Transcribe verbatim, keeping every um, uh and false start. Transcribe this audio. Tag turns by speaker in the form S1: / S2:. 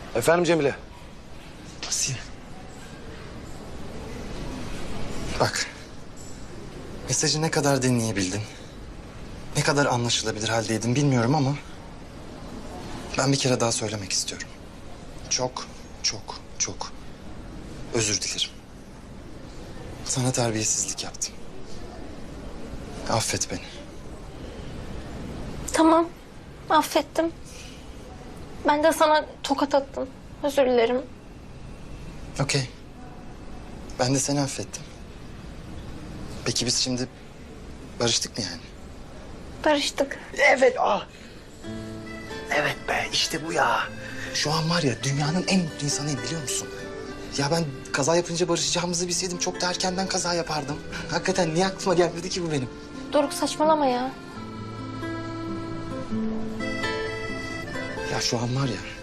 S1: Efendim Cemile?
S2: Asiye. Bak. Mesajı ne kadar dinleyebildin? Ne kadar anlaşılabilir haldeydin bilmiyorum ama... ben bir kere daha söylemek istiyorum. Çok, çok, çok özür dilerim. Sana terbiyesizlik yaptım. Affet beni.
S3: Tamam, affettim. Ben de sana tokat attım. Özür dilerim.
S2: Okey. Ben de seni affettim. Peki biz şimdi barıştık mı yani?
S3: Barıştık.
S1: Evet ah. Evet be işte bu ya.
S2: Şu an var ya dünyanın en mutlu insanıyım biliyor musun? Ya ben kaza yapınca barışacağımızı bilseydim çok da erkenden kaza yapardım. Hakikaten niye aklıma gelmedi ki bu benim?
S3: Doruk saçmalama ya.
S2: Ya şu an var ya